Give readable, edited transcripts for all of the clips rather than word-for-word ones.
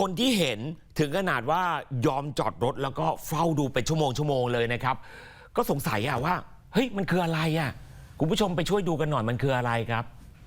คนที่เห็นถึงขนาดว่ายอมจอดรถแล้วก็เฝ้าดูเป็นชั่วโมงเลยนะครับก็สงสัยว่าเฮ้ยมันคืออะไรคุณผู้ชมไปช่วยดูกันหน่อยมันคืออะไรครับ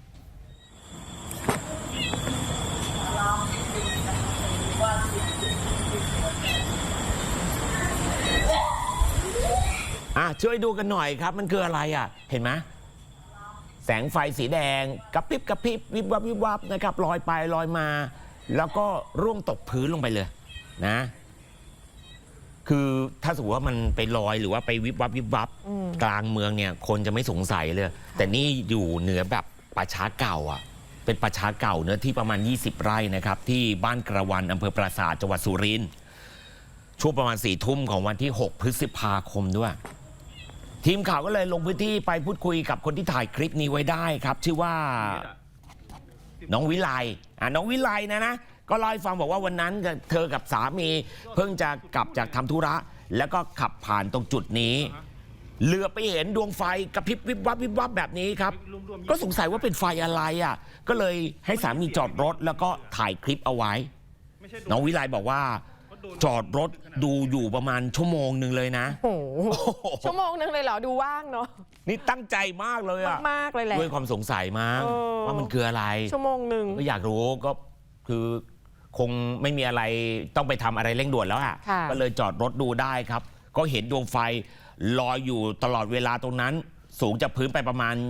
ช่วยดูกันหน่อยครับมันคืออะไรเห็นไหมแสงไฟสีแดงกระพริบวิบวับนะครับลอยไปลอยมาแล้วก็ร่วงตกพื้นลงไปเลยนะคือถ้าสมมติว่ามันไปลอยหรือว่าไปวิบวับกลางเมืองเนี่ยคนจะไม่สงสัยเลยแต่นี่อยู่เหนือแบบป่าช้าเก่าเป็นป่าช้าเก่าเนื้อที่ประมาณ20 ไร่นะครับที่บ้านกระวันอำเภอปราสาทจังหวัดสุรินทร์ช่วงประมาณ4 ทุ่มของวันที่6 พฤษภาคมด้วยทีมข่าวก็เลยลงพื้นที่ไปพูดคุยกับคนที่ถ่ายคลิปนี้ไว้ได้ครับชื่อว่าน้องวิไลน้องวิไลนะก็เล่าให้ฟังบอกว่าวันนั้นเธอกับสามีเพิ่งจะกลับจากทำธุระแล้วก็ขับผ่านตรงจุดนี้เหลือไปเห็นดวงไฟกระพริบวิบวับแบบนี้ครับก็สงสัยว่าเป็นไฟอะไรก็เลยให้สามีจอดรถแล้วก็ถ่ายคลิปเอาไว้น้องวิไลบอกว่าจอดรถดูอยู่ประมาณชั่วโมงหนึ่งเลยนะโอ้โหชั่วโมงหนึ่งเลยเหรอดูว่างเนาะนี่ตั้งใจมากเลยมากเลยแหละด้วยความสงสัยมั้งว่ามันคืออะไรชั่วโมงหนึ่งก็อยากรู้ก็คือคงไม่มีอะไรต้องไปทำอะไรเร่งด่วนแล้วก็เลยจอดรถดูได้ครับก็เห็นดวงไฟลอยอยู่ตลอดเวลาตรงนั้นสูงจากพื้นไปประมาณ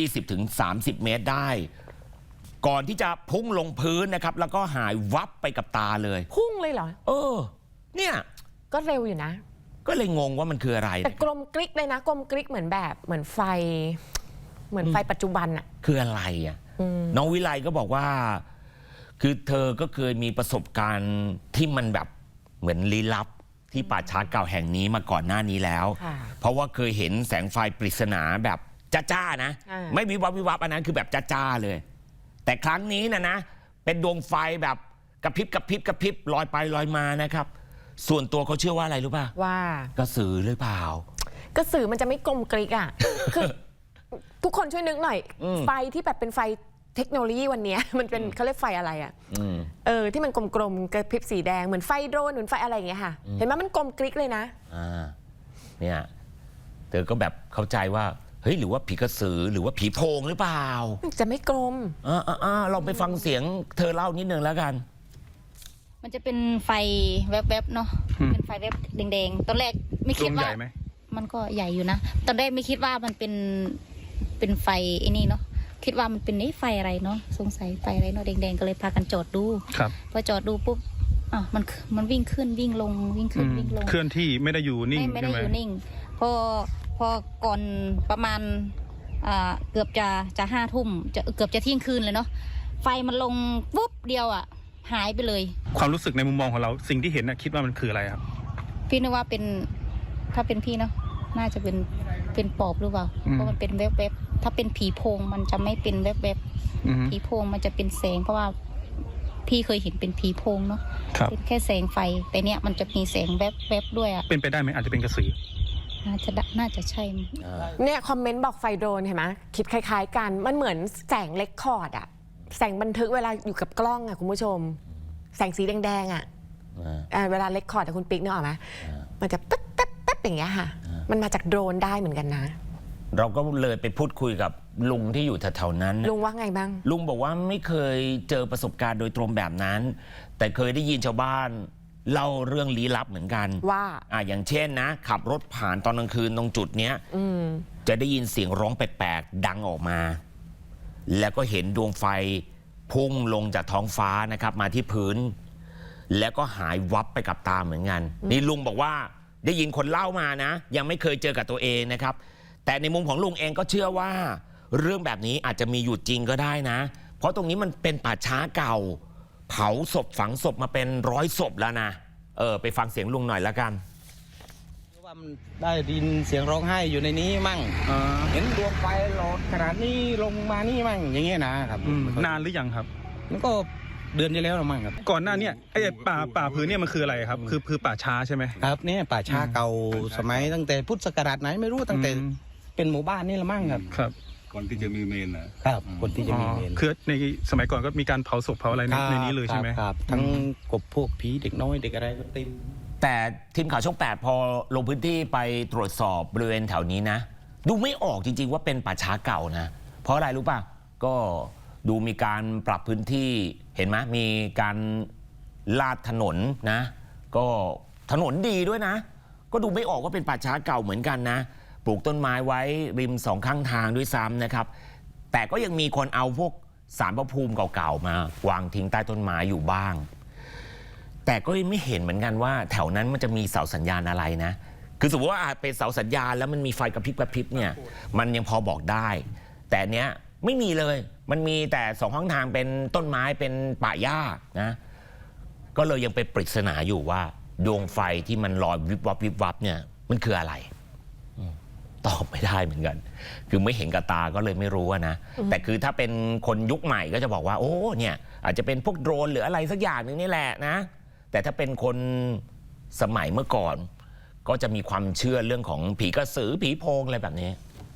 20-30 เมตรได้ก่อนที่จะพุ่งลงพื้นนะครับแล้วก็หายวับไปกับตาเลยพุ่งเลยเหรอเนี่ยก็เร็วอยู่นะก็เลยงงว่ามันคืออะไรแต่กลมกริกเลยนะกลมกริกเหมือนไฟปัจจุบันคืออะไรน้องวิไลก็บอกว่าคือเธอก็เคยมีประสบการณ์ที่มันแบบเหมือนลี้ลับที่ป่าช้าเก่าแห่งนี้มาก่อนหน้านี้แล้วเพราะว่าเคยเห็นแสงไฟปริศนาแบบจ้านะไม่วิวับอันนั้นคือแบบจ้าเลยแต่ครั้งนี้นะเป็นดวงไฟแบบกระพริบลอยไปลอยมานะครับส่วนตัวเขาเชื่อว่าอะไรรู้ป่ะว่ากระสือหรือเปล่ากระสือมันจะไม่กลมกริกคือทุกคนช่วยนึกหน่อยไฟที่แบบเป็นไฟเทคโนโลยีวันนี้มันเป็นเขาเรียกไฟอะไรที่มันกลมๆกระพริบสีแดงเหมือนไฟโดรนเหมือนไฟอะไรอย่างเงี้ยค่ะเห็นไหมมันกลมกริกเลยนะเนี่ยเธอก็แบบเข้าใจว่าเฮ้ยหรือว่าผีกระสือหรือว่าผีโพงหรือเปล่าจะไม่กลมลองไปฟังเสียงเธอเล่านิดนึงแล้วกันมันจะเป็นไฟแวบๆเนาะเป็นไฟแวบแดงๆตอนแรกไม่คิดว่ามันก็ใหญ่อยู่นะตอนแรกไม่คิดว่ามันเป็นไฟไอ้นี่เนาะคิดว่ามันเป็นไฟอะไรเนาะสงสัยไฟอะไรเนาะแดงๆก็เลยพากันจอดดูพอจอดดูปุ๊บมันวิ่งขึ้นวิ่งลงวิ่งขึ้นวิ่งลงเคลื่อนที่ไม่ได้อยู่นิ่งไม่ได้อยู่นิ่งพอก่อนประมาณเกือบจะ5 ทุ่มเกือบจะเที่ยงคืนเลยเนาะไฟมันลงปุ๊บเดียวหายไปเลยความรู้สึกในมุมมองของเราสิ่งที่เห็นคิดว่ามันคืออะไรครับพี่นึกว่าถ้าเป็นพี่เนาะน่าจะเป็นปอบหรือเปล่าเพราะมันเป็นแวบๆถ้าเป็นผีโพงมันจะไม่เป็นแวบๆผีโพงมันจะเป็นแสงเพราะว่าพี่เคยเห็นเป็นผีโพงเนาะเป็นแค่แสงไฟแต่เนี้ยมันจะมีแสงแวบๆด้วยเป็นไปได้ไหมอาจจะเป็นกระสือน่าจะใช่เนี่ยคอมเมนต์บอกไฟโดรนเห็นไหมคิดคล้ายๆกันมันเหมือนแสงเรคคอร์ดแสงบันทึกเวลาอยู่กับกล้องคุณผู้ชมแสงสีแดงเวลาเรคคอร์ดคุณปิ๊กนึกออกไหมมันจะปั๊บอย่างเงี้ยค่ะมันมาจากโดรนได้เหมือนกันนะเราก็เลยไปพูดคุยกับลุงที่อยู่แถวๆนั้นลุงว่าไงบ้างลุงบอกว่าไม่เคยเจอประสบการณ์โดยตรงแบบนั้นแต่เคยได้ยินชาวบ้านเล่าเรื่องลี้ลับเหมือนกันว่าอย่างเช่นนะขับรถผ่านตอนกลางคืนตรงจุดเนี้ยจะได้ยินเสียงร้องแปลกๆดังออกมาแล้วก็เห็นดวงไฟพุ่งลงจากท้องฟ้านะครับมาที่พื้นแล้วก็หายวับไปกับตาเหมือนกันนี่ลุงบอกว่าได้ยินคนเล่ามานะยังไม่เคยเจอกับตัวเองนะครับแต่ในมุมของลุงเองก็เชื่อว่าเรื่องแบบนี้อาจจะมีอยู่จริงก็ได้นะเพราะตรงนี้มันเป็นป่าช้าเก่าเผาศพฝังศพมาเป็น100 ศพแล้วนะไปฟังเสียงลุงหน่อยละกันว่ามันได้ยินเสียงร้องไห้อยู่ในนี้มั่งเห็นดวงไฟหลอดขนาดนี้ลงมานี่มั่งอย่างเงี้ยนะครับนานหรือยังครับมันก็เดือนที่แล้วมั่งครับก่อนหน้านี้ไอ้ป่าพื้นเนี่ยมันคืออะไรครับคือป่าช้าใช่ไหมครับเนี่ยป่าช้าเก่าสมัยตั้งแต่พุทธศักราชไหนไม่รู้ตั้งแต่เป็นหมู่บ้านนี่ละมั่งครับก่อนที่จะมีเมนนะครับคนที่จะมีเมนคือในสมัยก่อนก็มีการเผาศพเผาอะไรในนี้เลยใช่ไหมครับทั้งกบพวกผีเด็กน้อยเด็กอะไรก็เต็มแต่ทีมข่าวช่อง 8 พอลงพื้นที่ไปตรวจสอบบริเวณแถวนี้นะ ดูไม่ออกจริง ๆ ว่าเป็นป่าช้าเก่านะ เพราะอะไรรู้ป่ะ ก็ดูมีการปรับพื้นที่เห็นไหมมีการลาดถนนนะ ก็ถนนดีด้วยนะ ก็ดูไม่ออกว่าเป็นป่าช้าเก่าเหมือนกันนะ ปลูกต้นไม้ไว้ริมสองข้างทางด้วยซ้ำนะครับ แต่ก็ยังมีคนเอาพวกศาลพระภูมิเก่าๆมาวางทิ้งใต้ต้นไม้อยู่บ้าง แต่ก็ไม่เห็นเหมือนกันว่าแถวนั้นมันจะมีเสาสัญญาณอะไรนะ คือสมมติว่าเป็นเสาสัญญาณแล้วมันมีไฟกระพริบกระพริบเนี่ย มันยังพอบอกได้ แต่เนี้ยไม่มีเลย มันมีแต่สองข้างทางเป็นต้นไม้เป็นป่าหญ้านะ ก็เลยยังเป็นปริศนาอยู่ว่าดวงไฟที่มันลอยวิบวับวิบวับเนี่ยมันคืออะไรตอบไม่ได้เหมือนกัน คือไม่เห็นกับตาก็เลยไม่รู้นะ แต่คือถ้าเป็นคนยุคใหม่ก็จะบอกว่า โอ้เนี่ยอาจจะเป็นพวกโดรนหรืออะไรสักอย่างนึงนี่แหละนะ แต่ถ้าเป็นคนสมัยเมื่อก่อน ก็จะมีความเชื่อเรื่องของผีกระสือผีโพงอะไรแบบนี้